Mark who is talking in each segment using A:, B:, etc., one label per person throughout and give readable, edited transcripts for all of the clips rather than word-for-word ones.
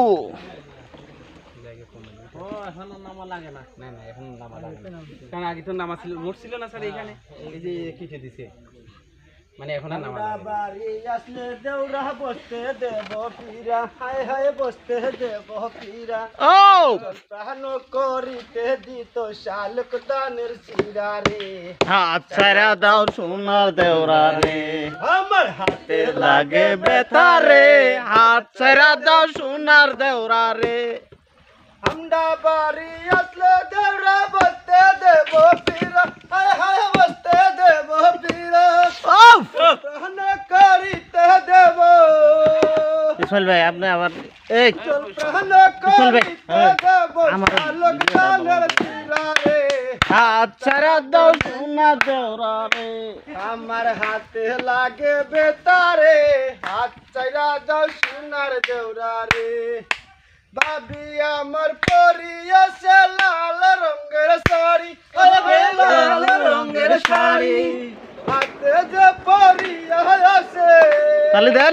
A: ও এখন নামা লাগে না, না না এখন নামা লাগে না, কারণ আগে তো নামা ছিল, রোড ছিল না স্যার এখানে, এই যে কেটে দিছে, মানে এখন আর নামা লাগে না।
B: বাড়ি আসলে দেউরা বসতে দেব পীরা, হায় হায় বসতে দেব পীরা।
C: ও
B: প্রাণ করিতে দিত শালক দানের শিরা রে,
C: হাত ছাড়া দাও সোনার দেওরা রে,
B: আমার হাতে
C: লাগে বেতা রে, হাত ছাড়া দাও সোনার দেওরা রে।
B: আমরা বাড়ি আসলে দেউরা বসতে দেব পীরা, হায় হায় বসতে দেব পীরা।
C: ও
B: প্রাণ করিতে দেব,
C: ইসমাইল ভাই আপনি আবার এই
B: প্রাণ
C: চল ভাই,
B: করিতে দেব
C: আমার
B: শালক দানের শিরা রে।
C: হাত ছাড়া দাও সোনার দেওরা রে।
B: আমার হাতে লাগে বেতারে, হাত চাইরা যাও সোনার দেউরা রে। ভাবি আমার পরিয়াছে লাল রঙের শাড়ি, লাল রঙের শাড়ি, হাতে যে পরিয়া আছে,
C: তালি দেন।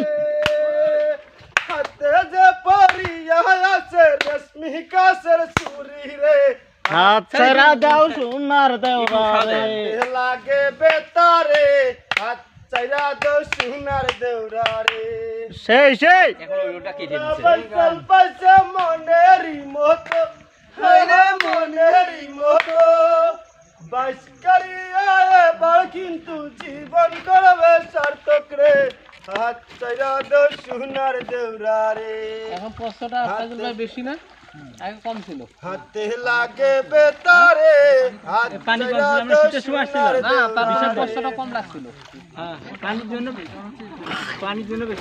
B: হাতে যে পরিয়া আছে রেশমি কাছের চুরি রে।
C: হাত ছাড়া দাও সোনার দেওরা রে।
B: হাতে লাগে বেতারে, হাত চাইরা দাও সোনার দেউরা রে।
C: সেই সেই
A: এখন ওটা কেটে দিছে।
B: বলছল পাশে মনেরই মতো, হায়রে মনেরই মতো, বাস করিয়া এবার কিন্তু জীবন করবে সার্থক রে। হাত চাইরা দাও সোনার দেউরা রে।
A: এখন প্রশ্নটা ফাইজুল ভাই বেশি না, আগে কম ছিল।
B: হাতে লাগে বেতারে, হাত
A: পানি কম
B: চাইরা
A: ছিল, আমরা
B: দাও
A: শীতের সময় আসছিল
B: সোনার
A: না, তার
B: দেউরা
A: বিশাল
B: রে।
A: প্রশ্নটা কম লাগছিল। হ্যাঁ পানির জন্য বেশি, পানির জন্য বেশি।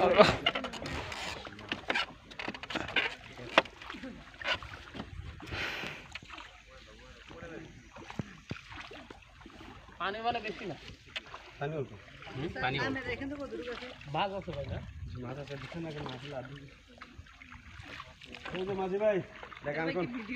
A: পানি মানে বেশি না,
B: পানি অল্প।
A: পানি ভাগ আছে ভাই না।
B: মাছ আছে, দিচ্ছেন না কেন? মাছ মাঝি ভাই দেখান কোন